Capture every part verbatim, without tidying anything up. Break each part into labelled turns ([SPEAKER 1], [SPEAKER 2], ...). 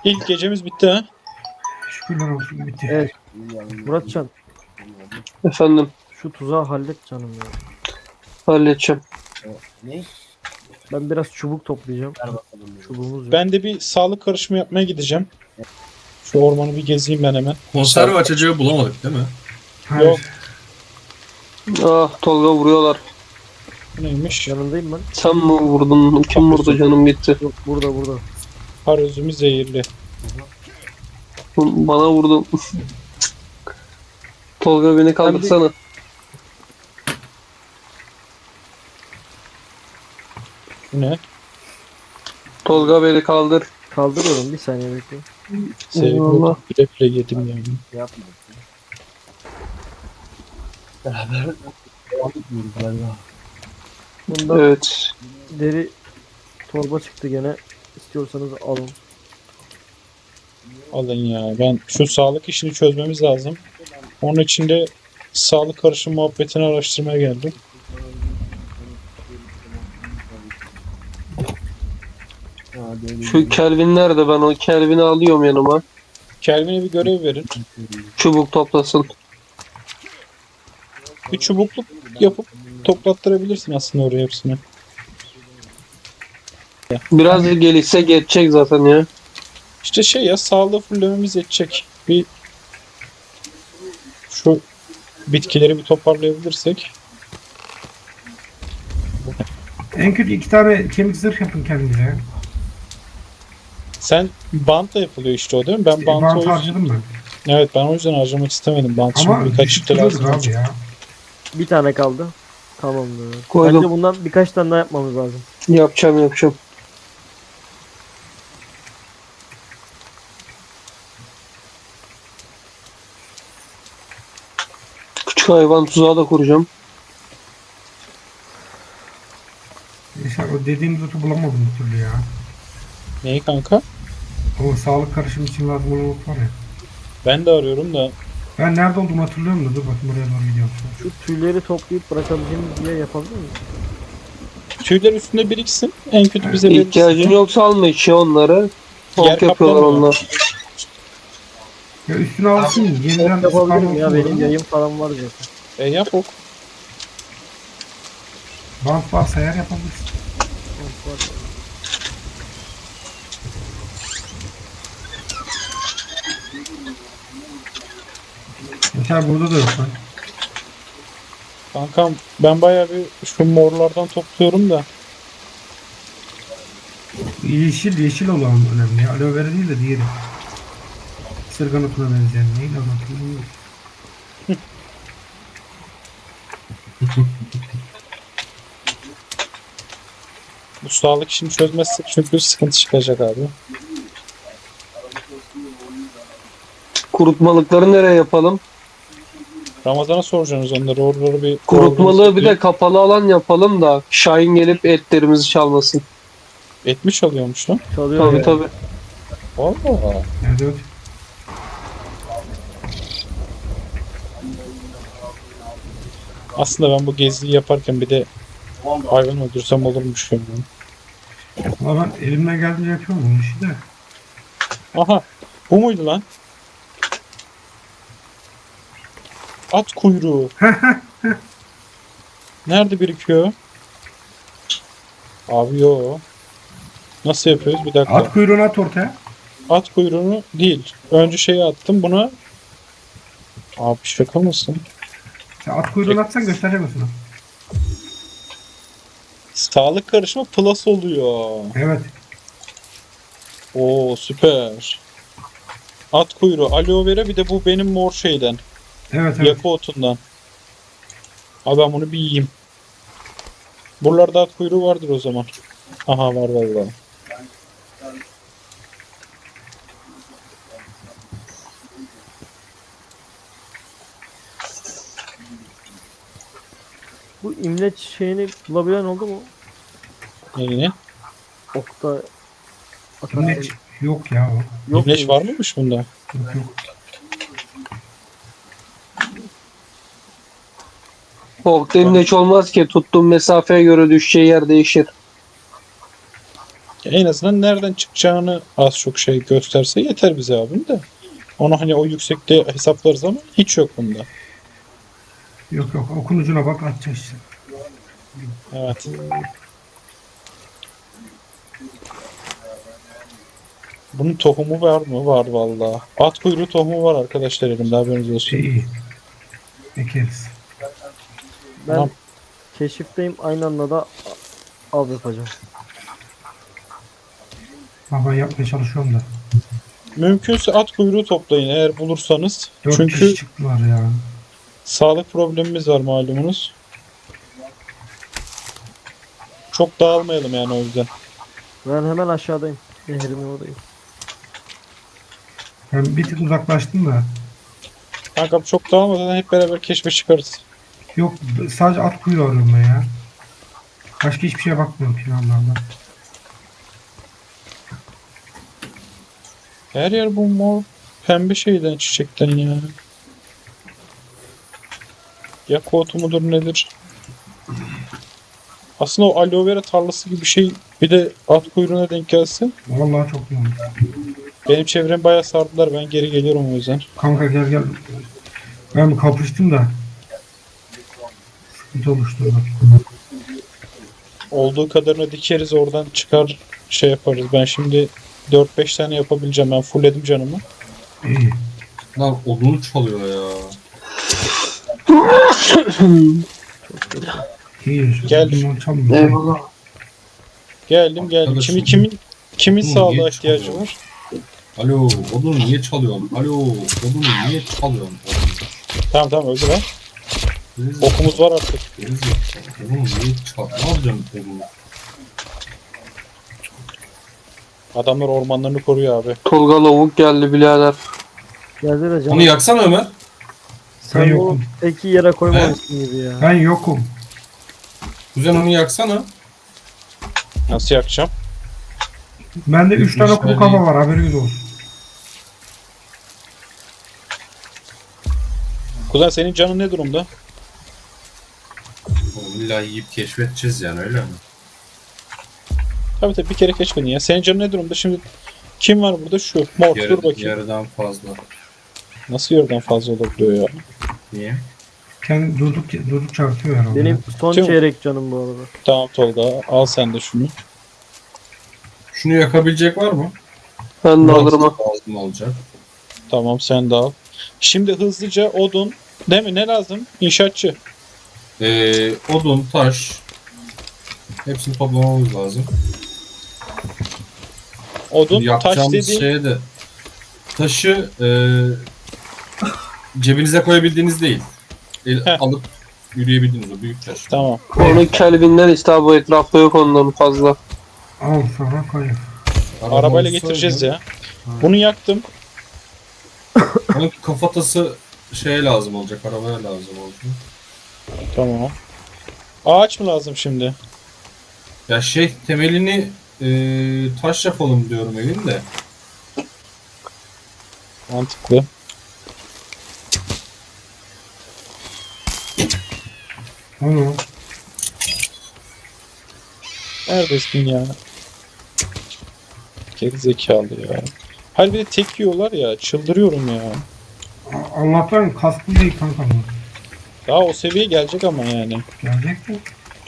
[SPEAKER 1] İlk gecemiz bitti ha.
[SPEAKER 2] Şükürler olsun bitti.
[SPEAKER 3] Evet. Muratcan,
[SPEAKER 4] Efendim,
[SPEAKER 3] şu tuzağı hallet canım ya.
[SPEAKER 4] halledeceğim.
[SPEAKER 5] Ne?
[SPEAKER 3] Ben biraz çubuk toplayacağım.
[SPEAKER 5] Ver bakalım.
[SPEAKER 3] Çubuğumuz yok.
[SPEAKER 1] Ben de bir sağlık karışımı yapmaya gideceğim. Şu ormanı bir gezeyim ben hemen.
[SPEAKER 6] Konserve açacağı bulamadık değil mi?
[SPEAKER 2] Hayır.
[SPEAKER 1] Yok.
[SPEAKER 4] Ah, Tolga vuruyorlar.
[SPEAKER 1] Bu neymiş?
[SPEAKER 3] Yanındayım ben.
[SPEAKER 4] Sen mi vurdun? Kim vurdu, canım gitti.
[SPEAKER 3] Yok, burada burada.
[SPEAKER 1] Har üzümü zehirli.
[SPEAKER 4] Bana vurdu. Tolga beni kaldırsana.
[SPEAKER 1] Bu ne?
[SPEAKER 4] Tolga beni kaldır.
[SPEAKER 3] Kaldırıyorum, bir saniye bekle.
[SPEAKER 1] Sevgili
[SPEAKER 4] Allah.
[SPEAKER 1] bile bile yedim yani.
[SPEAKER 5] Yapma. Beraber devam etmiyoruz galiba.
[SPEAKER 3] Bunda
[SPEAKER 4] Evet.
[SPEAKER 3] deri torba çıktı gene. İstiyorsanız alın.
[SPEAKER 1] Alın ya. Ben şu sağlık işini çözmemiz lazım. Onun için de sağlık karışım muhabbetini araştırmaya geldim.
[SPEAKER 4] Şu Kelvin nerede? Ben o Kelvin'i alıyorum yanıma.
[SPEAKER 1] Kelvin'e bir görev verin.
[SPEAKER 4] Çubuk toplasın.
[SPEAKER 1] Bir çubukluk yapıp toplattırabilirsin aslında oraya hepsini.
[SPEAKER 4] Biraz gelişse geçecek zaten ya.
[SPEAKER 1] İşte şey ya, sağlığı fullememiz yetecek. Bir şu bitkileri bir toparlayabilirsek.
[SPEAKER 2] En kötü iki tane kemik zırh yapın kendinize.
[SPEAKER 1] Sen bantla yapılıyor işte o değil mi? Ben bantı o
[SPEAKER 2] Bant
[SPEAKER 1] yüzden...
[SPEAKER 2] harcadım ben.
[SPEAKER 1] Evet, ben o yüzden harcamak istemedim. Bant
[SPEAKER 2] Ama
[SPEAKER 1] şimdi birkaç
[SPEAKER 2] düşük
[SPEAKER 1] çifte
[SPEAKER 2] duruyordur
[SPEAKER 1] lazım
[SPEAKER 2] abi
[SPEAKER 1] olacak.
[SPEAKER 2] ya.
[SPEAKER 3] Bir tane kaldı. Tamamdır.
[SPEAKER 4] Koydum.
[SPEAKER 3] Bence bundan birkaç tane daha yapmamız lazım.
[SPEAKER 4] Yapacağım yapacağım. Küçük hayvan tuzağı da kuracağım.
[SPEAKER 2] Yaşar o dediğim zotu bulamadım bir türlü ya.
[SPEAKER 1] Neyi kanka?
[SPEAKER 2] O sağlık karışımı için lazım olan ot var ya.
[SPEAKER 1] Ben de arıyorum da.
[SPEAKER 2] Ben nerede olduğumu hatırlıyorum da dur bakayım oraya doğru gidiyorum.
[SPEAKER 3] Şu tüyleri toplayıp bırakabileceğimiz bir yer yapabilir miyiz?
[SPEAKER 1] Tüyler üstünde biriksin. En kötü bize verirsin.
[SPEAKER 4] İhtiyacın yoksa alma işe onları.
[SPEAKER 1] Yer
[SPEAKER 4] Ot yapıyorlar
[SPEAKER 1] kaplamıyor.
[SPEAKER 4] onlar.
[SPEAKER 2] Ya üstüne alsın yeniden
[SPEAKER 3] Yok, yapabilirim ya,
[SPEAKER 2] spam
[SPEAKER 3] benim
[SPEAKER 2] olsun.
[SPEAKER 3] yayım falan var zaten.
[SPEAKER 1] E yap ok.
[SPEAKER 2] Bant varsa eğer yapabilirsin. Yaşar burada da yok lan.
[SPEAKER 1] Kankam ben bayağı bir şu morlardan topluyorum da.
[SPEAKER 2] Yeşil yeşil olan önemli ya. Aloe vera değil de diğeri. Sırgan otuna benzeyen neydi onu hatırlamıyorum.
[SPEAKER 1] Bu sağlık işini çözmezsek çünkü sıkıntı çıkacak abi.
[SPEAKER 4] Kurutmalıkları nereye yapalım?
[SPEAKER 1] Ramazan'a soracaksınız onları. Oraları bir...
[SPEAKER 4] Kurutmalığı bir de kapalı alan yapalım da Şahin gelip etlerimizi çalmasın.
[SPEAKER 1] Et mi çalıyormuş lan?
[SPEAKER 3] Çalıyor
[SPEAKER 4] Tabii
[SPEAKER 3] ya.
[SPEAKER 4] tabii.
[SPEAKER 1] Valla.
[SPEAKER 2] Evet evet.
[SPEAKER 1] Aslında ben bu geziyi yaparken bir de hayvan öldürsem olurmuş yani.
[SPEAKER 2] Ama ben elimden geldiğince yapıyorum bu işi de.
[SPEAKER 1] Aha. Bu muydu lan? At kuyruğu. Nerede birikiyor? Abi yo. Nasıl yapıyoruz? Bir dakika.
[SPEAKER 2] At kuyruğunu at ortaya.
[SPEAKER 1] At kuyruğunu değil. Önce şeyi attım buna. Abi şaka mısın?
[SPEAKER 2] Sen at kuyruğunu atsan göstereceğim sana.
[SPEAKER 1] Sağlık karışımı plus oluyor.
[SPEAKER 2] Evet.
[SPEAKER 1] Oo süper. At kuyruğu, aloe vera, bir de bu benim mor şeyden.
[SPEAKER 2] Evet evet.
[SPEAKER 1] Yakı otundan. Abi ben bunu bir yiyeyim. Buralarda at kuyruğu vardır o zaman. Aha var vallahi.
[SPEAKER 3] Bu imleç şeyini bulabilen oldu mu?
[SPEAKER 1] Neyini?
[SPEAKER 3] Okta atar.
[SPEAKER 2] İmleç yok ya o.
[SPEAKER 3] Yok
[SPEAKER 1] İmleç
[SPEAKER 3] muymuş?
[SPEAKER 1] var mıymış bunda?
[SPEAKER 2] Yok yok.
[SPEAKER 4] Okta imleç olmaz ki. Tuttuğun mesafeye göre düşeceği yer değişir.
[SPEAKER 1] En azından nereden çıkacağını az çok şey gösterse yeter bize abim de. Onu hani o yüksekte hesaplarız ama hiç yok bunda.
[SPEAKER 2] Yok yok okun ucuna bak atacağız işte.
[SPEAKER 1] Evet. Bunun tohumu var mı? Var vallahi. At kuyruğu tohumu var arkadaşlar elimde, haberiniz olsun.
[SPEAKER 2] Şey iyi. Ekeriz.
[SPEAKER 3] Ben
[SPEAKER 1] Tamam.
[SPEAKER 3] keşifteyim, aynı anda da av yapacağım.
[SPEAKER 2] Ha, ben yapmaya çalışıyorum da.
[SPEAKER 1] Mümkünse at kuyruğu toplayın eğer bulursanız.
[SPEAKER 2] Dört
[SPEAKER 1] Çünkü
[SPEAKER 2] kişi çıktılar ya.
[SPEAKER 1] sağlık problemimiz var malumunuz. Çok dağılmayalım yani o yüzden.
[SPEAKER 3] Ben hemen aşağıdayım. Nehrimin oradayım.
[SPEAKER 2] Ben bir tık uzaklaştım da.
[SPEAKER 1] Kankam çok dağılmadan hep beraber keşfe çıkarız.
[SPEAKER 2] Yok sadece at kuyruğu arıyorum ben ya. Başka hiçbir şeye bakmıyorum planlarda.
[SPEAKER 1] Her yer bu mor pembe şeyden, çiçekten ya. Ya kotu mudur nedir? Aslında o aloe vera tarlası gibi bir şey bir de at kuyruğuna denk gelse.
[SPEAKER 2] Vallahi çok iyi olmuş.
[SPEAKER 1] Benim çevrem bayağı sardılar, ben geri geliyorum o yüzden.
[SPEAKER 2] Kanka gel gel. Ben bir kapıştım da. Sıkıntı oluşturdu.
[SPEAKER 1] Olduğu kadarını dikeriz, oradan çıkar şey yaparız. Ben şimdi dört beş tane yapabileceğim, ben fullledim canımı.
[SPEAKER 2] İyi.
[SPEAKER 6] Lan odunu çalıyor ya.
[SPEAKER 2] İyi.
[SPEAKER 1] Gel.
[SPEAKER 2] Bundan çalmıyor.
[SPEAKER 4] Eyvallah.
[SPEAKER 1] Geldim geldim.
[SPEAKER 6] Arkadaşım.
[SPEAKER 1] Kimi kimin kimin
[SPEAKER 6] Oğlum,
[SPEAKER 1] sağlığa
[SPEAKER 6] niye
[SPEAKER 1] ihtiyacı
[SPEAKER 6] çalıyor?
[SPEAKER 1] var?
[SPEAKER 6] Alo, odunu niye çalıyorsun? Alo, odunu niye çalıyorsun?
[SPEAKER 1] Tamam tamam öldü lan.
[SPEAKER 6] Gerizekalı,
[SPEAKER 1] Okumuz var artık.
[SPEAKER 6] gerizekalı. Odunu niye çal? Ne yapacağım odunu?
[SPEAKER 1] Adamlar ormanlarını koruyor abi.
[SPEAKER 4] Tolga lavuk geldi birader.
[SPEAKER 3] Geldi de
[SPEAKER 6] Onu
[SPEAKER 3] canım.
[SPEAKER 6] yaksana Ömer.
[SPEAKER 3] Sen
[SPEAKER 2] Ben
[SPEAKER 3] bunu
[SPEAKER 2] yokum.
[SPEAKER 3] peki yere koymamışsın gibi ya.
[SPEAKER 2] Ben yokum.
[SPEAKER 6] Kuzen onu yaksana.
[SPEAKER 1] Nasıl yakacağım?
[SPEAKER 2] Bende üç tane kuru
[SPEAKER 6] Şöyle-
[SPEAKER 2] kafa var haberiniz olsun.
[SPEAKER 1] Kuzen senin canın ne durumda?
[SPEAKER 6] Oğlum illa yiyip keşfedeceğiz yani öyle mi?
[SPEAKER 1] Tabii tabii bir kere keşfedin ya. Senin canın ne durumda? Şimdi kim var burada? Şu. Mor.
[SPEAKER 6] Yarı,
[SPEAKER 1] Dur bakayım.
[SPEAKER 6] yarıdan fazla.
[SPEAKER 1] Nasıl yarıdan fazla olabiliyor ya?
[SPEAKER 6] Niye?
[SPEAKER 2] Kendi durduk durduk çarpıyor herhalde.
[SPEAKER 3] Benim son
[SPEAKER 1] Tüm-
[SPEAKER 3] çeyrek canım bu arada.
[SPEAKER 1] Tamam Tolga, al sen de şunu.
[SPEAKER 6] Şunu yakabilecek var mı?
[SPEAKER 4] Ben de alırım ha.
[SPEAKER 6] Lazım olacak.
[SPEAKER 1] Tamam sen de al. Şimdi hızlıca odun. Değil mi? Ne lazım? İnşaatçı.
[SPEAKER 6] Ee, odun, taş. Hepsini toplamamız lazım.
[SPEAKER 1] Odun, taş
[SPEAKER 6] Yapacağımız
[SPEAKER 1] dediğin.
[SPEAKER 6] şeye de taşı e, cebinize koyabildiğiniz değil. El,
[SPEAKER 1] Heh.
[SPEAKER 6] alıp yürüyebildiğiniz o büyük taş.
[SPEAKER 1] Tamam.
[SPEAKER 4] Onu Kelvin'den işte abi, bu etrafta yok ondan fazla.
[SPEAKER 2] Al sana koy.
[SPEAKER 6] Araba
[SPEAKER 1] Arabayla
[SPEAKER 6] olsaydı-
[SPEAKER 1] getireceğiz ya. Bunu yaktım.
[SPEAKER 6] Onun kafatası şeye lazım olacak, arabaya lazım olacak.
[SPEAKER 1] Tamam. Ağaç mı lazım şimdi?
[SPEAKER 6] Ya şey temelini e, taş yapalım diyorum evin de.
[SPEAKER 1] Mantıklı.
[SPEAKER 2] Onu.
[SPEAKER 1] Neredesin ya? Geri zekalı ya. Hayır bir de tek yiyorlar ya. Çıldırıyorum ya.
[SPEAKER 2] A- Allah'tan kasklı değil kanka bu.
[SPEAKER 1] Daha o seviyeye gelecek ama yani.
[SPEAKER 2] Gelecek mi?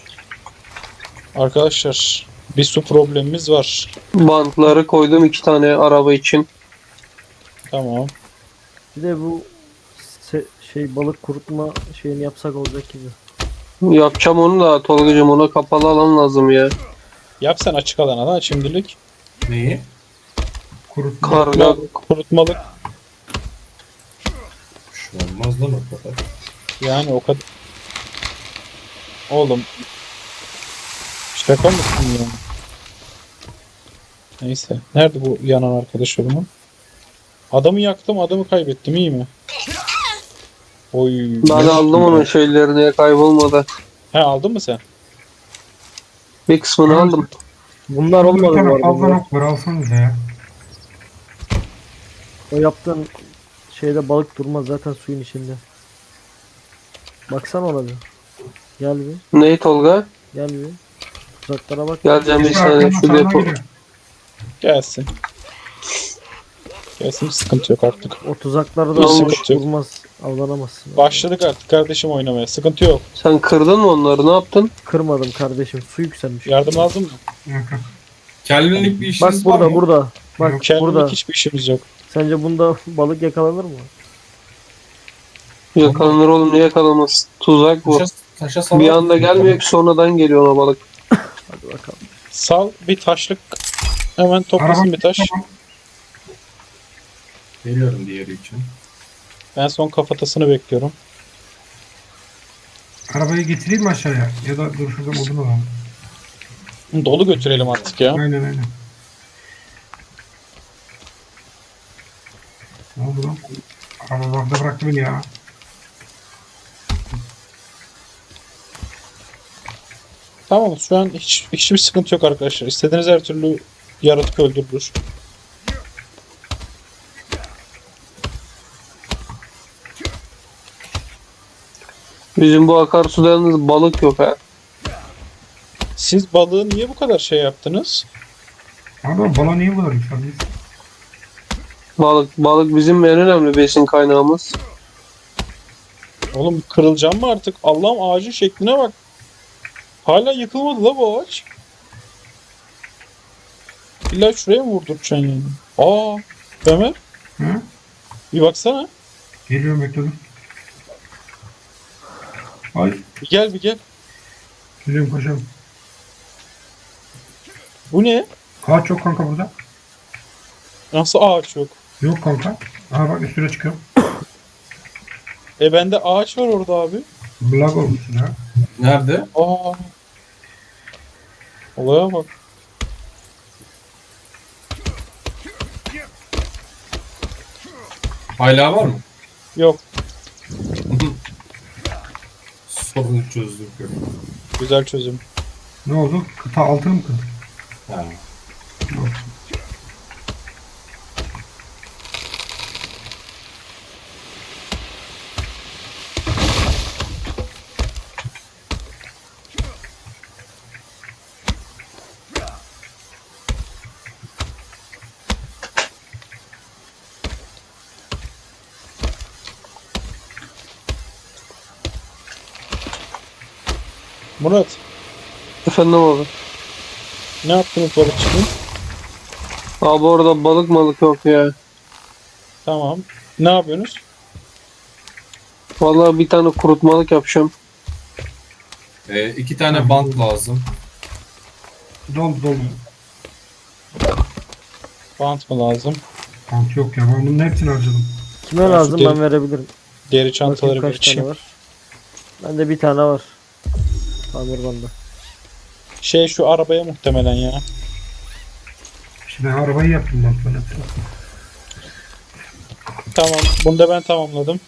[SPEAKER 1] Arkadaşlar bir su problemimiz var.
[SPEAKER 4] Bantları koydum iki tane araba için.
[SPEAKER 1] Tamam.
[SPEAKER 3] Bir de bu se- şey balık kurutma şeyini yapsak olacak gibi.
[SPEAKER 4] Yapacağım onu da Tolga'cığım, ona kapalı alan lazım ya.
[SPEAKER 1] Yap sen açık alana da şimdilik.
[SPEAKER 6] Neyi?
[SPEAKER 2] Kurutma.
[SPEAKER 4] Karga
[SPEAKER 1] Kurutmalık.
[SPEAKER 6] Şu olmaz lan o kadar.
[SPEAKER 1] Yani o kadar. Oğlum. Şaka mısın ya? Neyse. Nerede bu yanan arkadaş oğlumun? Adamı yaktım, adamı kaybettim, iyi mi? Oy.
[SPEAKER 4] ben aldım onun şeylerini ya, kaybolmadı.
[SPEAKER 1] He aldın mı sen?
[SPEAKER 4] Bir kısmını aldım.
[SPEAKER 3] Bunlar
[SPEAKER 2] Bir
[SPEAKER 3] olmadı bu
[SPEAKER 2] tane
[SPEAKER 3] arada.
[SPEAKER 2] fazla
[SPEAKER 3] bu.
[SPEAKER 2] nok var alsanıza ya.
[SPEAKER 3] O yaptığın şeyde balık durmaz zaten suyun içinde. Baksana ona bir. Gel bir.
[SPEAKER 4] Neyi Tolga?
[SPEAKER 3] Gel bir. Uzaklara bak.
[SPEAKER 4] Geleceğim bir
[SPEAKER 2] İşte
[SPEAKER 4] saniye
[SPEAKER 2] arkamda
[SPEAKER 4] şu
[SPEAKER 2] sağına
[SPEAKER 4] depo.
[SPEAKER 2] giriyor.
[SPEAKER 1] Gelsin. Gelsin, sıkıntı yok artık.
[SPEAKER 3] O tuzakları
[SPEAKER 1] Hiç
[SPEAKER 3] da almış
[SPEAKER 1] sıkıntı yok.
[SPEAKER 3] vurmaz. Avlanamazsın.
[SPEAKER 1] Başladık artık kardeşim oynamaya. Sıkıntı yok.
[SPEAKER 4] Sen kırdın mı onları? Ne yaptın?
[SPEAKER 3] Kırmadım kardeşim. Su yükselmiş.
[SPEAKER 1] Yardım lazım mı?
[SPEAKER 2] Yok yok.
[SPEAKER 6] Kelvinlik bir
[SPEAKER 3] Bak
[SPEAKER 6] işiniz var
[SPEAKER 3] burada
[SPEAKER 6] mı?
[SPEAKER 3] burada. Bak
[SPEAKER 2] Yok,
[SPEAKER 1] Kendimlik
[SPEAKER 3] burada.
[SPEAKER 1] hiçbir işimiz yok.
[SPEAKER 3] Sence bunda balık yakalanır mı?
[SPEAKER 4] Yakalanır oğlum, niye yakalamaz? Tuzak bu.
[SPEAKER 6] Taşa, taşa salar
[SPEAKER 4] Bir anda
[SPEAKER 6] mısın?
[SPEAKER 4] gelmiyor ki, sonradan geliyor ona balık.
[SPEAKER 3] Hadi bakalım.
[SPEAKER 1] Sal bir taşlık. Hemen toplasın
[SPEAKER 2] Araba
[SPEAKER 1] bir taş.
[SPEAKER 2] tamam.
[SPEAKER 6] Geliyorum diğeri için.
[SPEAKER 1] Ben son kafatasını bekliyorum.
[SPEAKER 2] Arabayı getireyim mi aşağıya? Ya da dur şuradan odun alalım.
[SPEAKER 1] Dolu götürelim artık ya.
[SPEAKER 2] Aynen aynen. Ne oldu lan? Araba bakta bıraktı beni ya.
[SPEAKER 1] Tamam, şu an hiç hiçbir sıkıntı yok arkadaşlar. İstediğiniz her türlü yaratık öldürülür.
[SPEAKER 4] Bizim bu akarsuda yalnız balık yok ha.
[SPEAKER 1] Siz balığı niye bu kadar şey yaptınız?
[SPEAKER 2] Abi bala niye bu kadar yükseldi?
[SPEAKER 4] Balık balık bizim en önemli besin kaynağımız.
[SPEAKER 1] Oğlum kırılacağım mı artık? Allah'ım, ağacın şekline bak. Hala yıkılmadı la bu ağaç. İlla şuraya mı vurduracaksın yani? Aa, Ömer,
[SPEAKER 2] Hı?
[SPEAKER 1] bir baksana.
[SPEAKER 2] Geliyorum bekledim. Ay.
[SPEAKER 1] Bir gel bir gel.
[SPEAKER 2] Geliyorum koşalım.
[SPEAKER 1] Bu ne?
[SPEAKER 2] Ağaç yok kanka burada.
[SPEAKER 1] Nasıl ağaç yok?
[SPEAKER 2] Yok kanka. Aha bak üstüne çıkıyorum.
[SPEAKER 1] E bende ağaç var orada abi.
[SPEAKER 2] Blag olmuşsun ya.
[SPEAKER 6] Nerede?
[SPEAKER 1] Aa. Olaya bak.
[SPEAKER 6] Hala var mı?
[SPEAKER 1] Yok.
[SPEAKER 6] Sorunu çözdük.
[SPEAKER 1] Güzel çözüm.
[SPEAKER 2] Ne oldu? Kıta altını mı kırdı?
[SPEAKER 6] Ha.
[SPEAKER 1] Murat,
[SPEAKER 4] Efendim abi.
[SPEAKER 1] ne yaptınız balıkçının?
[SPEAKER 4] Abi orada balık malık yok ya.
[SPEAKER 1] Tamam. Ne yapıyorsunuz?
[SPEAKER 4] Vallahi bir tane kurutmalık yapacağım.
[SPEAKER 6] Ee, iki tane bant lazım.
[SPEAKER 2] Doldu doldu.
[SPEAKER 1] Bant mı lazım?
[SPEAKER 2] Kanka yok ya ben bunun hepsini harcadım.
[SPEAKER 3] Kime
[SPEAKER 1] Ben
[SPEAKER 3] lazım
[SPEAKER 1] şu
[SPEAKER 3] ben
[SPEAKER 1] deri-
[SPEAKER 3] verebilirim.
[SPEAKER 1] Deri
[SPEAKER 3] Bakayım
[SPEAKER 1] çantaları bir
[SPEAKER 3] kaç tane
[SPEAKER 1] içeyim.
[SPEAKER 3] var. Bende bir tane var. Tamir bende.
[SPEAKER 1] Şey, şu arabaya muhtemelen ya.
[SPEAKER 2] Şimdi arabayı yaptım ben böyle.
[SPEAKER 1] Tamam. Bunu da ben tamamladım.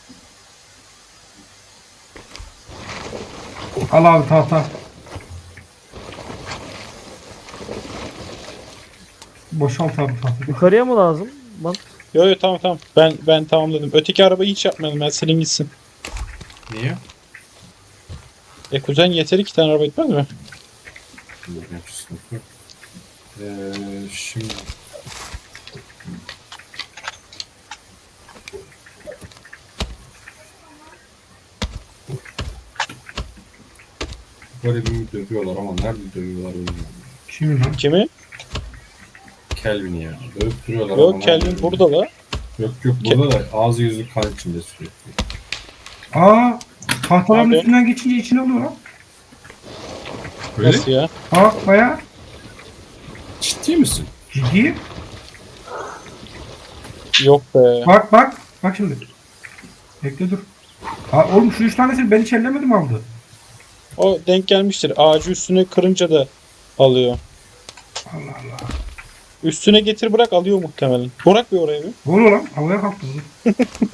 [SPEAKER 2] Al abi tahta. Boşalt abi tahta.
[SPEAKER 3] Yukarıya mı lazım? Bak.
[SPEAKER 1] Yo yo, tamam tamam. Ben ben tamamladım. Öteki arabayı hiç yapmayalım. Ben silin gitsin.
[SPEAKER 6] Niye?
[SPEAKER 1] E kuzen, yeter, iki tane araba etmez mi?
[SPEAKER 6] Ee, şimdi garibimi dövüyorlar ama nerede dövüyorlar bilmiyorum.
[SPEAKER 2] Şimdi lan.
[SPEAKER 1] Kimi?
[SPEAKER 6] Kelvin'i ya. Dövüp duruyorlar ama
[SPEAKER 1] Yok,
[SPEAKER 6] nerede
[SPEAKER 1] Kelvin
[SPEAKER 6] bilmiyorum.
[SPEAKER 1] burada la.
[SPEAKER 6] Yok yok burada da ağzı yüzü kan içinde sürekli.
[SPEAKER 2] Aa, tahtaların
[SPEAKER 1] Abi.
[SPEAKER 2] üstünden geçince içine alıyor lan.
[SPEAKER 6] Öyle?
[SPEAKER 1] Nasıl ya?
[SPEAKER 2] Aa baya
[SPEAKER 6] Ciddi misin?
[SPEAKER 2] ciddi.
[SPEAKER 1] Yok be.
[SPEAKER 2] Bak bak. Bak şimdi. Bekle dur. Aa, oğlum şu üç tanesini ben hiç ellemedim aldı.
[SPEAKER 1] O denk gelmiştir. Ağacı üstüne kırınca da alıyor.
[SPEAKER 2] Allah Allah.
[SPEAKER 1] Üstüne getir bırak, alıyor muhtemelen. Bırak bir oraya bir.
[SPEAKER 2] Ne oluyor lan? Havaya kalktı. Dur.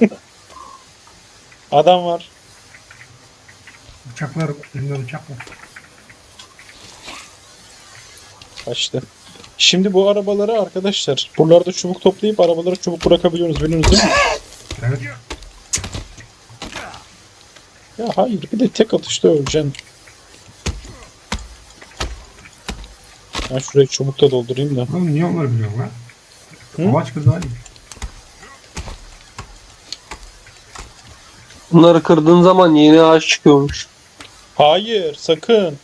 [SPEAKER 1] Adam var.
[SPEAKER 2] Bıçaklar. Elimde bıçak var.
[SPEAKER 1] Kaçtı. Şimdi bu arabaları arkadaşlar, buralarda çubuk toplayıp arabalara çubuk bırakabiliyorsunuz, biliyorsunuz değil mi?
[SPEAKER 2] Evet.
[SPEAKER 1] Ya hayır, bir de tek atışta öleceksin. Ben şurayı çubukla doldurayım da.
[SPEAKER 2] Oğlum niye onları biliyorsun lan?
[SPEAKER 1] Hı?
[SPEAKER 2] Amaç kız Ali.
[SPEAKER 4] Bunları kırdığın zaman yeni ağaç çıkıyormuş.
[SPEAKER 1] Hayır sakın.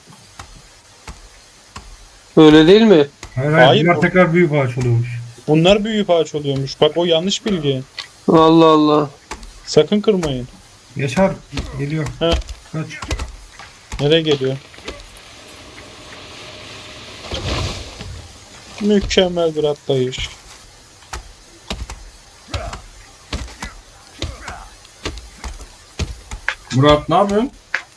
[SPEAKER 4] Öyle değil mi?
[SPEAKER 2] Hayır hayır,
[SPEAKER 1] Hayır,
[SPEAKER 2] bunlar
[SPEAKER 1] o-
[SPEAKER 2] tekrar büyük ağaç oluyormuş.
[SPEAKER 1] Bunlar büyüyüp ağaç oluyormuş. Bak o yanlış bilgi.
[SPEAKER 4] Allah Allah.
[SPEAKER 1] Sakın kırmayın.
[SPEAKER 2] Yaşar geliyor.
[SPEAKER 1] He.
[SPEAKER 2] Kaç.
[SPEAKER 1] Nereye geliyor? Mükemmel bir atlayış.
[SPEAKER 6] Murat ne yapıyorsun?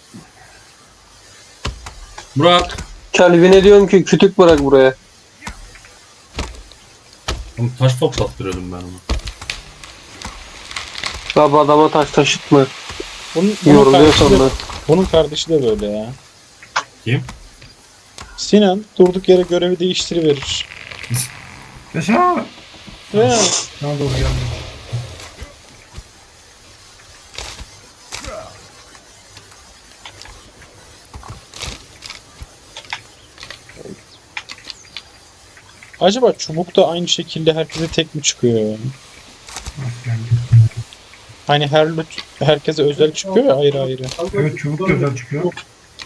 [SPEAKER 6] Murat.
[SPEAKER 4] Kelvin'e diyorum ki kütük bırak buraya.
[SPEAKER 6] Oğlum taş toplattırıyordum ben onu.
[SPEAKER 4] Abi adama taş taşıtma.
[SPEAKER 1] Bunun, bunun,
[SPEAKER 4] Yoruluyor
[SPEAKER 1] kardeşi de,
[SPEAKER 4] sonra.
[SPEAKER 1] bunun kardeşi de böyle ya.
[SPEAKER 6] Kim?
[SPEAKER 1] Sinan durduk yere görevi değiştiriverir.
[SPEAKER 2] Yaşar.
[SPEAKER 1] Ya,
[SPEAKER 2] Sana doğru geldi.
[SPEAKER 1] acaba çubuk da aynı şekilde herkese tek mi çıkıyor?
[SPEAKER 2] Nasıl geldi?
[SPEAKER 1] Hani her loot herkese özel çıkıyor ya ayrı ayrı.
[SPEAKER 2] Evet çubuk güzel çıkıyor.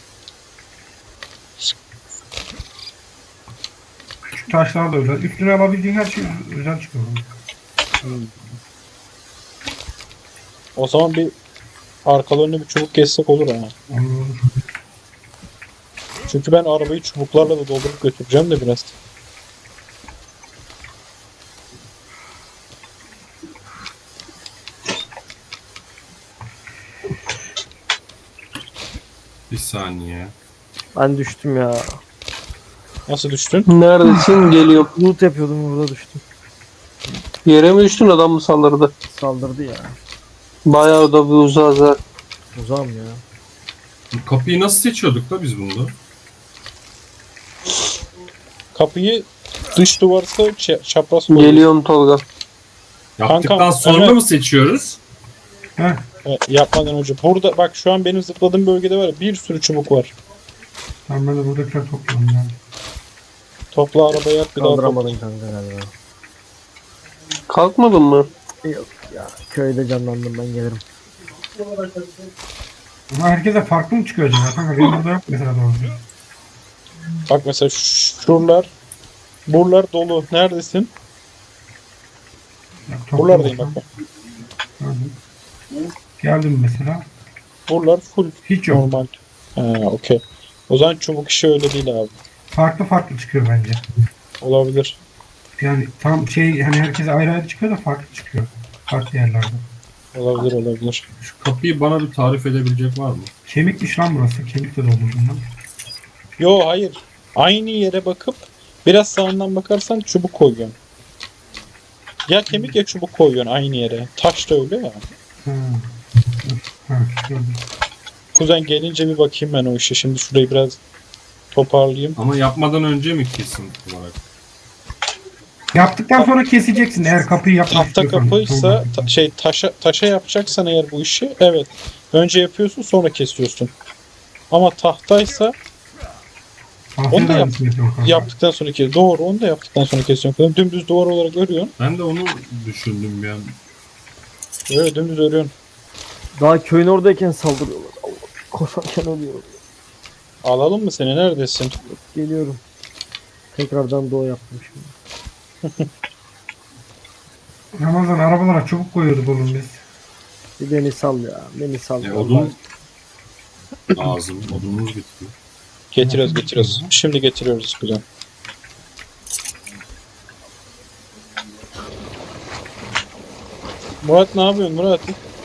[SPEAKER 2] Küçük taşlar da özel. Üstüne alabildiğin her şey özel çıkıyor.
[SPEAKER 1] O zaman bir arkalarına bir çubuk kessek olur ha.
[SPEAKER 2] Olur olur.
[SPEAKER 1] Çünkü ben arabayı çubuklarla da doldurup götüreceğim de biraz.
[SPEAKER 6] Bir saniye.
[SPEAKER 3] Ben düştüm ya.
[SPEAKER 1] Nasıl düştün?
[SPEAKER 4] Neredesin? Geliyorum.
[SPEAKER 3] Loot yapıyordum burada düştüm.
[SPEAKER 4] Yere mi düştün, adam mı saldırdı?
[SPEAKER 3] Saldırdı ya.
[SPEAKER 4] Bayağı da bir uzağız ha.
[SPEAKER 3] Uzağım ya.
[SPEAKER 6] Bu kapıyı nasıl seçiyorduk da biz bunda?
[SPEAKER 1] Kapıyı dış duvarsa ç- çapraz koyuyoruz.
[SPEAKER 4] Geliyorum Tolga.
[SPEAKER 6] Yaptıktan
[SPEAKER 1] Kankam,
[SPEAKER 6] sonra
[SPEAKER 1] evet.
[SPEAKER 6] mı seçiyoruz?
[SPEAKER 2] Heh.
[SPEAKER 1] E, yapmadan önce. Burada bak şu an benim zıpladığım bölgede var ya bir sürü çubuk var.
[SPEAKER 2] Tamam ben de buradakiler topluyorum yani.
[SPEAKER 1] Topla arabayı at bir daha topla.
[SPEAKER 3] Kaldıramadın kanka galiba.
[SPEAKER 4] Kalkmadın mı?
[SPEAKER 3] Yok ya. Köyde canlandım, ben gelirim.
[SPEAKER 2] Ama herkese farklı mı çıkıyor acaba? Kanka benim burada yok mesela doğru.
[SPEAKER 1] Bak mesela şuralar buralar dolu. Neredesin?
[SPEAKER 2] Bak, toplu
[SPEAKER 1] Buralardayım bak.
[SPEAKER 2] olsam.
[SPEAKER 1] bak.
[SPEAKER 2] Gördüm. Geldim mesela.
[SPEAKER 1] Buralar full
[SPEAKER 2] Hiç yok.
[SPEAKER 1] normal. Ha, okey. O zaman çubuk işi öyle değil abi.
[SPEAKER 2] Farklı farklı çıkıyor bence.
[SPEAKER 1] Olabilir.
[SPEAKER 2] Yani tam şey hani herkese ayrı ayrı çıkıyor da farklı çıkıyor. Farklı yerlerde.
[SPEAKER 1] Olabilir olabilir.
[SPEAKER 6] Şu kapıyı bana bir tarif edebilecek var mı?
[SPEAKER 2] Kemikmiş lan burası. Kemik de doldurdum lan.
[SPEAKER 1] Yo hayır. Aynı yere bakıp biraz sağından bakarsan çubuk koyuyorsun. Ya kemik ya çubuk koyuyorsun aynı yere. Taş da öyle ya.
[SPEAKER 2] Ha. Ha, gördüm.
[SPEAKER 1] Kuzen gelince bir bakayım ben o işe. Şimdi şurayı biraz toparlayayım.
[SPEAKER 6] Ama yapmadan önce mi kesin olarak?
[SPEAKER 2] Yaptıktan sonra keseceksin eğer kapıyı yapmak
[SPEAKER 1] Tahta
[SPEAKER 2] istiyorsan.
[SPEAKER 1] kapıysa ta- şey taşa taşa yapacaksan eğer bu işi evet. Önce yapıyorsun sonra kesiyorsun. Ama tahtaysa
[SPEAKER 2] Tahtaya
[SPEAKER 1] onu da
[SPEAKER 2] da
[SPEAKER 1] yap-
[SPEAKER 2] aynısını yapıyorum kanka.
[SPEAKER 1] yaptıktan sonra kes. Doğru onu da yaptıktan sonra kesiyorsun. Dümdüz duvar olarak örüyorsun.
[SPEAKER 6] Ben de onu düşündüm bir an.
[SPEAKER 1] Öyle dümdüz örüyorsun.
[SPEAKER 3] Daha köyün oradayken saldırıyorlar. Allah. Koşarken ölüyorum.
[SPEAKER 1] Alalım mı seni? Neredesin?
[SPEAKER 3] Geliyorum. Tekrardan doğu yaptım şimdi.
[SPEAKER 2] Ramazan arabalara çubuk koyuyorduk oğlum biz.
[SPEAKER 3] Bir beni sal ya. Beni sal.
[SPEAKER 6] E,
[SPEAKER 3] ya.
[SPEAKER 6] odun lazım. Odunumuz bitti.
[SPEAKER 1] Getiriyoruz getiriyoruz. Şimdi getiriyoruz kuzen. Murat ne yapıyorsun Murat?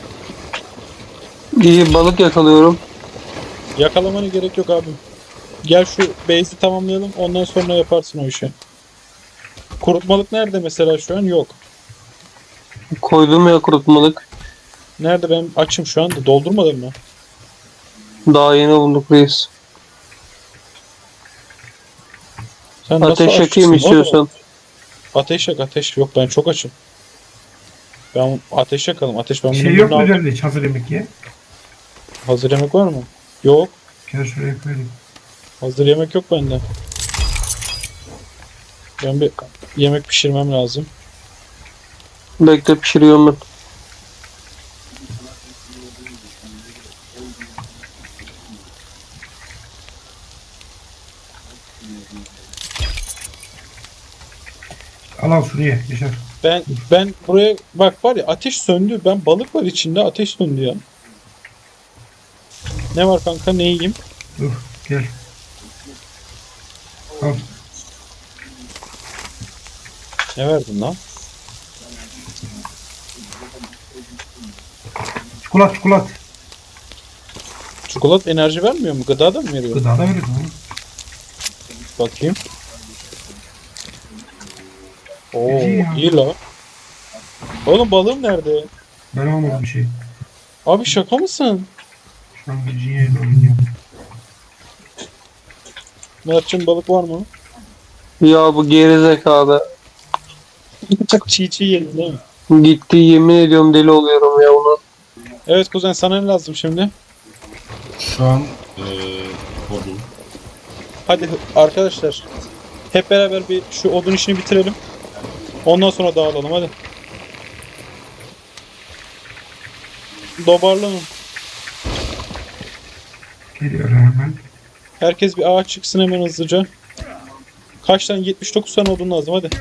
[SPEAKER 4] İyi, balık yakalıyorum.
[SPEAKER 1] Yakalamana gerek yok abim. Gel şu base'i tamamlayalım ondan sonra yaparsın o işi. Kurutmalık nerede mesela şu an? Yok.
[SPEAKER 4] Koydum ya kurutmalık.
[SPEAKER 1] Nerede ben açım şu anda doldurmadım mı?
[SPEAKER 4] Daha yeni bulduk reis.
[SPEAKER 1] Sen
[SPEAKER 4] Ateş
[SPEAKER 1] açsın
[SPEAKER 4] yakayım
[SPEAKER 1] oğlum?
[SPEAKER 4] istiyorsan.
[SPEAKER 1] Ateş yak ateş. Yok ben çok açım. Ben ateş yakalım. Ateş ben bunun
[SPEAKER 2] Şey yok
[SPEAKER 1] birini
[SPEAKER 2] mu
[SPEAKER 1] aldım.
[SPEAKER 2] üzerinde hiç hazır yemek ye?
[SPEAKER 1] Hazır yemek var mı? Yok.
[SPEAKER 2] Gel şuraya koyayım.
[SPEAKER 1] Hazır yemek yok bende. Ben bir yemek pişirmem lazım.
[SPEAKER 4] Bekle pişiriyorum ben.
[SPEAKER 2] Al al şuraya Yaşar.
[SPEAKER 1] Ben ben buraya bak var ya ateş söndü. Ben balık var içinde ateş söndü ya. Ne var kanka ne yiyeyim?
[SPEAKER 2] Dur gel. Al.
[SPEAKER 1] Ne verdin lan?
[SPEAKER 2] Çikolat çikolat.
[SPEAKER 1] Çikolat enerji vermiyor mu? Gıda da mı veriyor?
[SPEAKER 2] Gıda da verir oğlum.
[SPEAKER 1] Bakayım. Oo
[SPEAKER 2] İyi ya.
[SPEAKER 1] iyi la. Oğlum balığım nerede?
[SPEAKER 2] Ben almadım bir şey.
[SPEAKER 1] Abi şaka mısın?
[SPEAKER 2] Şu an Virginia'yla oynuyorum.
[SPEAKER 1] Mert'cim balık var mı?
[SPEAKER 4] Ya bu geri zekalı.
[SPEAKER 1] Çiğ çiğ yedin değil mi?
[SPEAKER 4] Gitti yemin ediyorum deli oluyorum ya ona.
[SPEAKER 1] Evet kuzen sana ne lazım şimdi?
[SPEAKER 6] Şu an eee odun.
[SPEAKER 1] Hadi arkadaşlar. Hep beraber bir şu odun işini bitirelim. Ondan sonra dağılalım hadi. Dobarlanın.
[SPEAKER 2] Geliyor hemen.
[SPEAKER 1] Herkes bir ağaç çıksın hemen hızlıca. Kaç tane? yetmiş dokuz tane odun lazım hadi.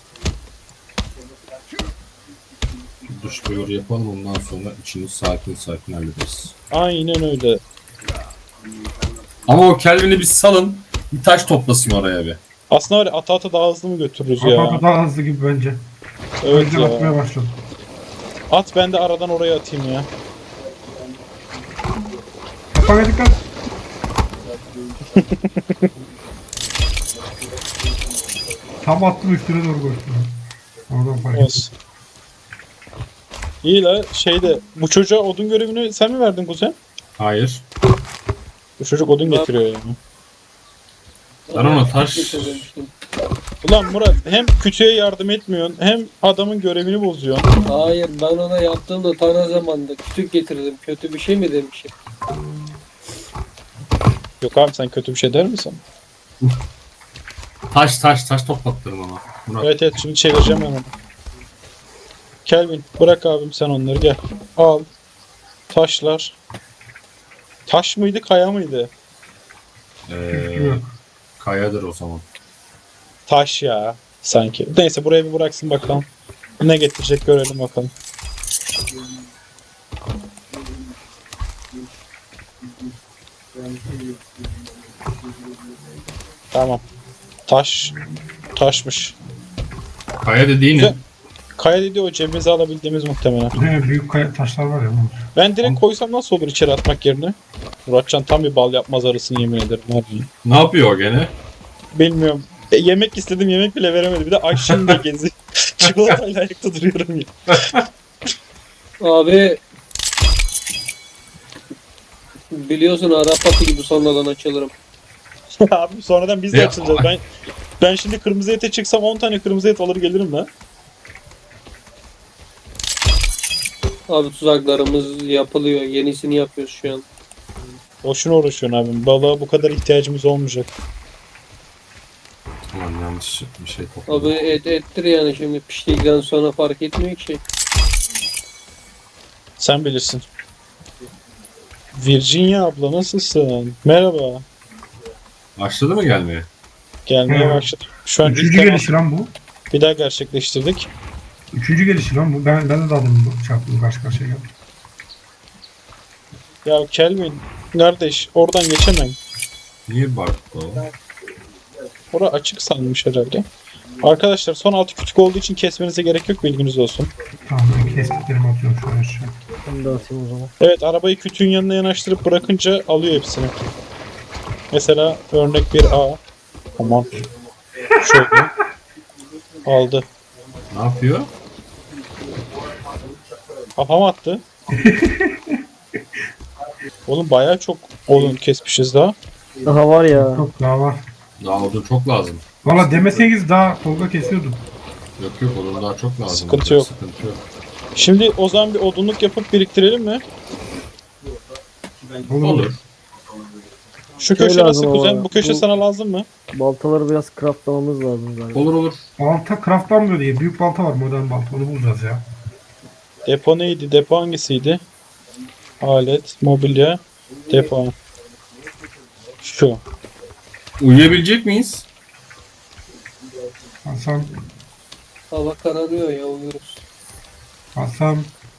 [SPEAKER 6] Duş duyuru yapalım ondan sonra içini sakin sakin hallederiz.
[SPEAKER 1] Aynen öyle.
[SPEAKER 6] Ama o Kelvin'i bir salın. Bir taş toplasın oraya bir.
[SPEAKER 1] Aslında var ya ata ata daha hızlı mı götürürüz ya?
[SPEAKER 2] Ata daha hızlı gibi bence.
[SPEAKER 1] Evet
[SPEAKER 2] Önceden atmaya
[SPEAKER 1] ya.
[SPEAKER 2] başladım.
[SPEAKER 1] At ben de aradan oraya atayım ya.
[SPEAKER 2] Kafana dikkat. Tam attım üstüne doğru koştum. Oradan fark ettim.
[SPEAKER 1] Olsun. İyi la şeyde bu çocuğa odun görevini sen mi verdin kuzen?
[SPEAKER 6] Hayır.
[SPEAKER 1] Bu çocuk odun getiriyor yani.
[SPEAKER 6] Ben ona taş...
[SPEAKER 1] Ulan Murat hem kütüğe yardım etmiyorsun hem adamın görevini bozuyorsun.
[SPEAKER 7] Hayır ben ona yaptığımda ta ne zamanda kütük getirdim. Kötü bir şey mi demişim?
[SPEAKER 1] Yok abi sen kötü bir şey der misin?
[SPEAKER 6] Taş taş taş toplattırın ona. Murat.
[SPEAKER 1] Evet evet şimdi çevireceğim ben onu. Kelvin bırak abim sen onları gel. Al. Taşlar. Taş mıydı kaya mıydı?
[SPEAKER 6] Eee kayadır o zaman.
[SPEAKER 1] Taş ya sanki. Neyse buraya bir bıraksın bakalım. Ne getirecek görelim bakalım. Tamam. Taş. Taşmış.
[SPEAKER 6] Kaya dediği ne?
[SPEAKER 1] Güzel. Kaya dedi o cebimize alabildiğimiz muhtemelen.
[SPEAKER 2] Ne büyük kaya taşlar var ya. bunlar.
[SPEAKER 1] Ben direkt koysam nasıl olur içeri atmak yerine? Muratcan tam bir bal yapmaz arasını yemin ederim. Harbi.
[SPEAKER 6] Ne yapıyor o gene?
[SPEAKER 1] Bilmiyorum. E, yemek istedim yemek bile veremedi. Bir de aşçım da gezi. Çikolatayla ayakta duruyorum ya.
[SPEAKER 7] Abi biliyorsun Arap atı gibi sonradan açılırım.
[SPEAKER 1] Abi sonradan biz de
[SPEAKER 6] Ya,
[SPEAKER 1] açılacağız. Ben ben şimdi kırmızı ete çıksam on tane kırmızı et alır gelirim lan.
[SPEAKER 7] Abi tuzaklarımız yapılıyor. Yenisini yapıyoruz şu an.
[SPEAKER 1] Boşuna uğraşıyorsun abim. Balığa bu kadar ihtiyacımız olmayacak.
[SPEAKER 6] Tamam yanlış bir şey topladım.
[SPEAKER 7] Abi et ettir yani şimdi piştikten sonra fark etmiyor ki.
[SPEAKER 1] Sen bilirsin. Virginia abla nasılsın? Merhaba.
[SPEAKER 6] Başladı mı gelmeye?
[SPEAKER 1] Gelmeye
[SPEAKER 2] Hı.
[SPEAKER 1] başladım. Şu an ilk
[SPEAKER 2] Üçüncü
[SPEAKER 1] temas
[SPEAKER 2] gelişi lan bu.
[SPEAKER 1] bir daha gerçekleştirdik.
[SPEAKER 2] Üçüncü gelişi lan bu. Ben, ben de daha demin bu çarptım karşı karşıya geldim.
[SPEAKER 1] Ya Kelvin kardeş oradan geçemem.
[SPEAKER 6] Niye baktı o?
[SPEAKER 1] Ora açık sanmış herhalde. Arkadaşlar son altı kütük olduğu için kesmenize gerek yok bilginiz olsun.
[SPEAKER 2] Tamam ben kestiklerimi atıyorum şu an aşağı.
[SPEAKER 3] Ben de atayım o zaman.
[SPEAKER 1] Evet arabayı kütüğün yanına yanaştırıp bırakınca alıyor hepsini. Mesela örnek bir A. Aman. Şöyle. Aldı.
[SPEAKER 6] Ne yapıyor?
[SPEAKER 1] Kafama attı. Oğlum bayağı çok odun kesmişiz daha.
[SPEAKER 3] Daha var ya.
[SPEAKER 2] Çok daha var.
[SPEAKER 6] Daha odun çok lazım.
[SPEAKER 2] Valla demeseniz daha Tolga kesiyordum.
[SPEAKER 6] Yok yok odun daha çok lazım.
[SPEAKER 1] Sıkıntı yok.
[SPEAKER 6] Sıkıntı yok.
[SPEAKER 1] Şimdi o zaman bir odunluk yapıp biriktirelim mi?
[SPEAKER 2] Olur.
[SPEAKER 6] Olur.
[SPEAKER 1] Şu
[SPEAKER 3] Şey
[SPEAKER 1] köşe
[SPEAKER 3] lazım
[SPEAKER 1] nasıl
[SPEAKER 3] ama,
[SPEAKER 1] kuzen? Bu köşe
[SPEAKER 3] bu-
[SPEAKER 1] sana lazım mı?
[SPEAKER 3] Baltaları biraz craftlamamız lazım galiba.
[SPEAKER 6] Olur olur.
[SPEAKER 2] Balta craftlanmıyor diye. Büyük balta var, modern balta. Onu bulacağız ya.
[SPEAKER 1] Depo neydi? Depo hangisiydi? Alet, mobilya, depo. Şu.
[SPEAKER 6] Uyuyabilecek miyiz?
[SPEAKER 2] Hasan,
[SPEAKER 7] Hava kararıyor ya, uyuruz.
[SPEAKER 2] Hasan.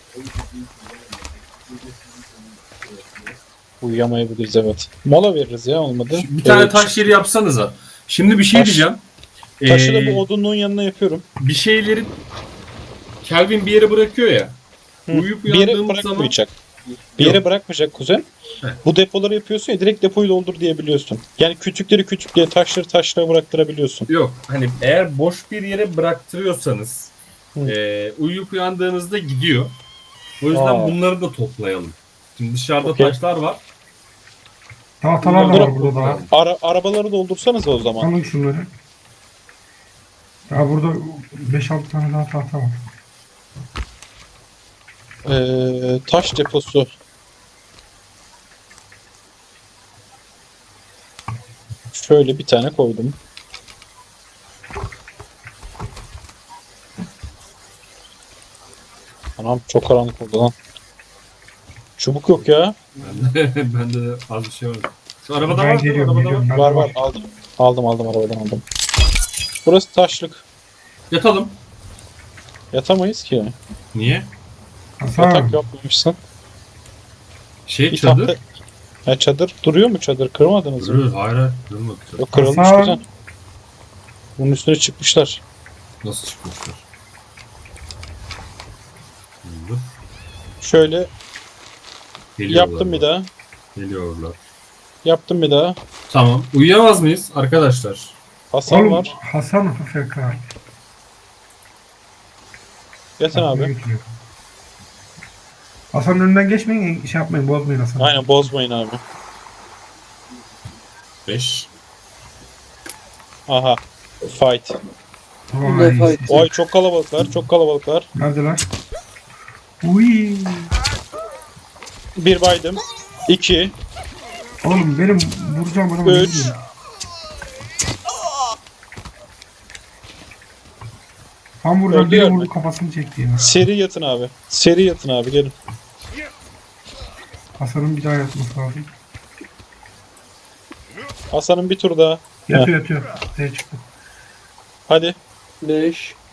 [SPEAKER 1] Uyuyamayabiliriz evet. Mola veririz ya olmadı.
[SPEAKER 6] Bir tane
[SPEAKER 1] Evet.
[SPEAKER 6] taş yeri yapsanıza. Şimdi bir şey
[SPEAKER 1] Taş-
[SPEAKER 6] diyeceğim.
[SPEAKER 1] Taşı da
[SPEAKER 6] Ee,
[SPEAKER 1] bu odunluğun yanına yapıyorum.
[SPEAKER 6] bir şeyleri Kelvin bir yere bırakıyor ya.
[SPEAKER 1] Hı.
[SPEAKER 6] Uyuyup
[SPEAKER 1] Bir yere
[SPEAKER 6] uyandığımız zaman
[SPEAKER 1] bırakmayacak. Bir yere
[SPEAKER 6] Yok.
[SPEAKER 1] bırakmayacak kuzen.
[SPEAKER 6] Heh.
[SPEAKER 1] Bu depoları yapıyorsun ya direkt depoyu doldur diyebiliyorsun. Yani küçükleri küçüklüğe, taşları taşlara bıraktırabiliyorsun.
[SPEAKER 6] yok. Hani eğer boş bir yere bıraktırıyorsanız
[SPEAKER 1] Hı.
[SPEAKER 6] e, uyuyup uyandığınızda gidiyor. O yüzden
[SPEAKER 1] Aa.
[SPEAKER 6] bunları da toplayalım. Şimdi dışarıda
[SPEAKER 1] Okey.
[SPEAKER 6] taşlar var.
[SPEAKER 2] Tahtalar da
[SPEAKER 6] Bunları
[SPEAKER 2] var burada daha.
[SPEAKER 1] Ara, arabaları doldursanız o zaman.
[SPEAKER 2] Alın şunları. Ya burada beş altı tane daha tahta var.
[SPEAKER 1] Ee, taş deposu. Şöyle bir tane koydum. Anam çok karanlık oldu lan. Çubuk yok ya.
[SPEAKER 6] Bende de az bir şey var. Şu arabada
[SPEAKER 2] Ben
[SPEAKER 6] var değil mi?
[SPEAKER 2] geliyorum,
[SPEAKER 6] Arabada var.
[SPEAKER 2] geliyorum. Ben
[SPEAKER 1] Var
[SPEAKER 2] de
[SPEAKER 1] var aldım. Aldım aldım arabadan aldım. Burası taşlık.
[SPEAKER 6] Yatalım.
[SPEAKER 1] Yatamayız ki.
[SPEAKER 6] Niye?
[SPEAKER 2] Hasan,
[SPEAKER 1] Yatak yapmamışsın.
[SPEAKER 6] Şey
[SPEAKER 1] Bir
[SPEAKER 6] çadır.
[SPEAKER 1] tahta... Ha, çadır duruyor mu çadır? Kırmadınız mı?
[SPEAKER 6] Duruyor. Hayır hayır. Durmadı.
[SPEAKER 1] Yok kırılmış
[SPEAKER 2] Hasan.
[SPEAKER 1] güzel. Bunun üstüne çıkmışlar.
[SPEAKER 6] Nasıl çıkmışlar? Dur.
[SPEAKER 1] Şöyle
[SPEAKER 6] Geliyorlar.
[SPEAKER 1] yaptım bir daha.
[SPEAKER 6] Geliyorlar.
[SPEAKER 1] Yaptım bir daha.
[SPEAKER 6] Tamam. Uyuyamaz mıyız arkadaşlar?
[SPEAKER 1] Hasan
[SPEAKER 2] oğlum,
[SPEAKER 1] var.
[SPEAKER 2] Hasan A F K.
[SPEAKER 1] Yatın abi.
[SPEAKER 2] Götürüyor. Hasan'ın önünden geçmeyin, şey yapmayın, bozmayın Hasan'ı.
[SPEAKER 1] Aynen bozmayın abi.
[SPEAKER 6] beş.
[SPEAKER 1] Aha. Fight.
[SPEAKER 2] Vay,
[SPEAKER 7] Ne fight?
[SPEAKER 1] Oy çok kalabalıklar. Çok kalabalıklar.
[SPEAKER 2] neredeler? Uy.
[SPEAKER 1] Bir baydım. İki.
[SPEAKER 2] Oğlum benim vuracağım adamı.
[SPEAKER 1] Üç.
[SPEAKER 2] bilmiyorum. Tam buradan biri
[SPEAKER 1] Öldüler mi?
[SPEAKER 2] vurdu, kafasını çekti ya.
[SPEAKER 1] Seri yatın abi. Seri yatın abi gelin.
[SPEAKER 2] Hasan'ın bir daha yatması lazım.
[SPEAKER 1] Hasan'ın bir tur daha.
[SPEAKER 2] Yatıyor yatıyor. Ortaya çıktı.
[SPEAKER 1] Hadi.
[SPEAKER 7] beş,